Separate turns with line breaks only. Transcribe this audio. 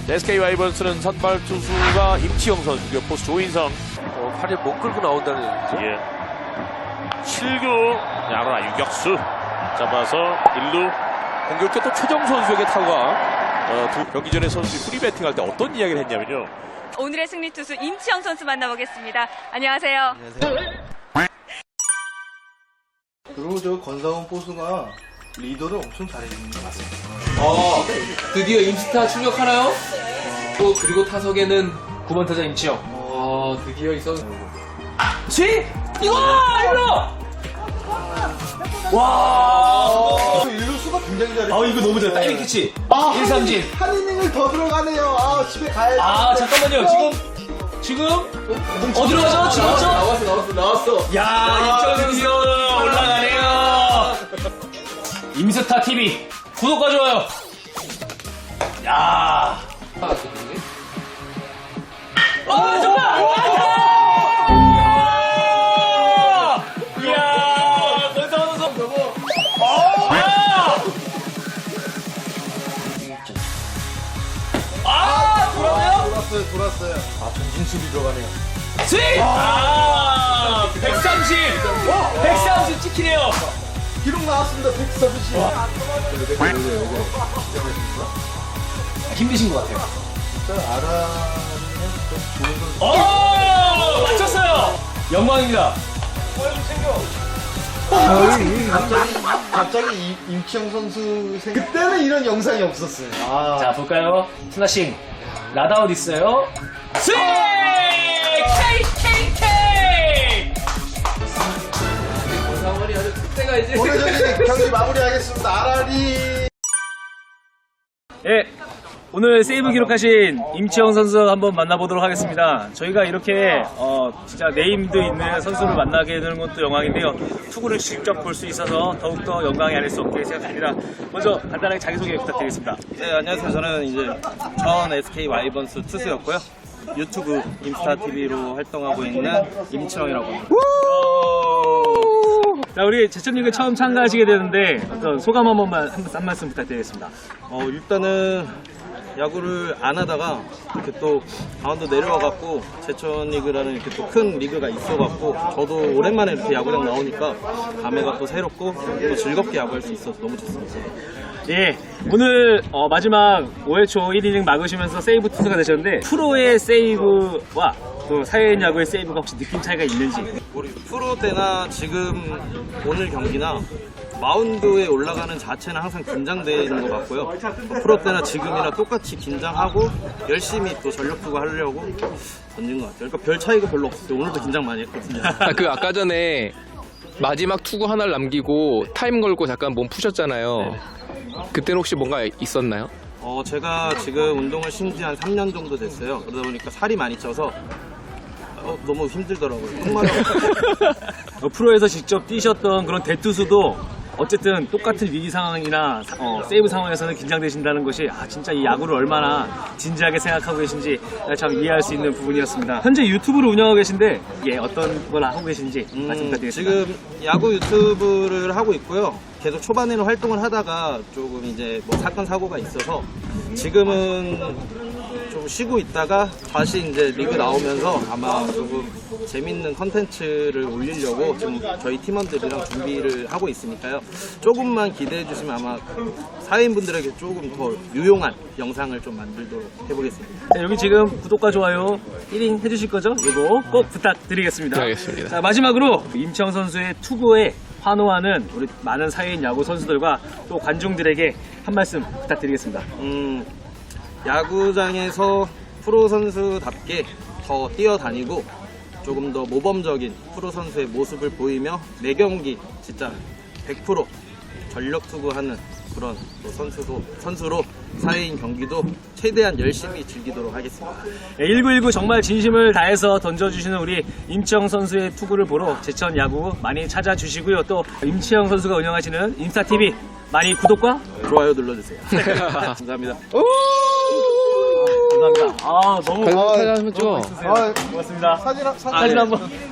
SK 와이번스는 선발 투수가 임치영 선수고요. 포수 조인성.
팔을 못 끌고 나온다는 얘기죠.
예. 7구 야구라 유격수 잡아서 1루. 공격때 또 최정 선수에게 타구가 두 경기 전에 선수들이 프리 배팅할 때 어떤 이야기를 했냐면요.
오늘의 승리 투수 임치영 선수 만나보겠습니다. 안녕하세요.
그리고 저 권상훈 포수가 리더를 엄청 잘해주는 것 같습니다.
드디어 임스타 출격하나요? 또 그리고 타석에는 9번 타자 임치영. 드디어 이 선수. 스윙! 이거! 와!
일루수가 굉장히 잘해.
이거 너무 잘해. 타이밍 캐치. 1삼진.
한 이닝을 더 들어가네요. 집에 가야지.
잠깐만요. 지금 어디로 가죠? 지금 나왔어. 야, 임치영 선수 올라가네요. 임스타 TV 구독과 좋아요. 야. 정말! 이야! 권상훈 선수 저거.
돌았어요.
전진수비 들어가네요. 스윙! 130 찍히네요.
기록 나왔습니다. 130.
힘드신 것 같아요.
아라는
맞췄어요. 영광입니다.
갑자기 임치영 선수 그때는 이런 영상이 없었어요.
자, 볼까요? 스나싱. 라다웃 있어요. 스윙! KKK! 권상원이 아주 그때가 이제.
오래전에 경기 마무리하겠습니다. 아라리.
예, 오늘 세이브 기록하신 임치영 선수 한번 만나보도록 하겠습니다. 저희가 이렇게 진짜 네임도 있는 선수를 만나게 되는 것도 영광인데요. 투구를 직접 볼 수 있어서 더욱더 영광이 아닐 수 없게 생각합니다. 먼저 간단하게 자기소개 부탁드리겠습니다.
네, 안녕하세요. 저는 이제 전 SK 와이번스 투수였고요. 유튜브 임스타TV로 활동하고 있는 임치영이라고 합니다.
자, 우리 제천리그 처음 참가하시게 되는데 어떤 소감 한 번만 한 말씀 부탁드리겠습니다.
일단은 야구를 안 하다가 이렇게 또 강원도 내려와갖고 제천리그라는 이렇게 또 큰 리그가 있어갖고 저도 오랜만에 이렇게 야구장 나오니까 감회가 또 새롭고 또 즐겁게 야구할 수 있어서 너무 좋습니다.
예, 오늘 마지막 5회 초 1이닝 막으시면서 세이브 투수가 되셨는데 프로의 세이브와 또 사회인 야구의 세이브가 혹시 느낌 차이가 있는지.
우리 프로 때나 지금 오늘 경기나 마운드에 올라가는 자체는 항상 긴장되는 것 같고요. 프로 때나 지금이나 똑같이 긴장하고 열심히 또 전력 투구 하려고 던진 것 같아요. 그러니까 별 차이가 별로 없었어요. 오늘도 긴장 많이 했거든요.
아까 전에 마지막 투구 하나를 남기고 타임 걸고 잠깐 몸 푸셨잖아요. 그때는 혹시 뭔가 있었나요?
제가 지금 운동을 쉰 지 한 3년 정도 됐어요. 그러다 보니까 살이 많이 쪄서 너무 힘들더라고요. 정말.
프로에서 직접 뛰셨던 그런 대투수도 어쨌든 똑같은 위기 상황이나 세이브 상황에서는 긴장되신다는 것이 진짜 이 야구를 얼마나 진지하게 생각하고 계신지 참 이해할 수 있는 부분이었습니다. 현재 유튜브를 운영하고 계신데 이게 어떤 걸 하고 계신지 말씀 부탁드리겠습니다.
지금 야구 유튜브를 하고 있고요. 계속 초반에는 활동을 하다가 조금 이제 뭐 사건 사고가 있어서 지금은 좀 쉬고 있다가 다시 이제 리그 나오면서 아마 조금 재밌는 컨텐츠를 올리려고 지금 저희 팀원들이랑 준비를 하고 있으니까요. 조금만 기대해 주시면 아마 사회인분들에게 조금 더 유용한 영상을 좀 만들도록 해보겠습니다.
네, 여기 지금 구독과 좋아요 1인 해주실 거죠? 이거 꼭 부탁드리겠습니다.
알겠습니다.
자, 마지막으로 임치영 선수의 투구에 환호하는 우리 많은 사회인 야구 선수들과 또 관중들에게 한 말씀 부탁드리겠습니다.
야구장에서 프로 선수답게 더 뛰어다니고 조금 더 모범적인 프로 선수의 모습을 보이며 매 경기 진짜 100% 전력 투구하는 그런 또 선수로 사회인 경기도 최대한 열심히 즐기도록 하겠습니다.
1919 정말 진심을 다해서 던져주시는 우리 임치영 선수의 투구를 보러 제천 야구 많이 찾아주시고요. 또 임치영 선수가 운영하시는 임스타TV 많이 구독과
좋아요 눌러주세요. 감사합니다.
감사합니다. 너무
사진 한번 찍어.
고맙습니다.
사진
사진 한번.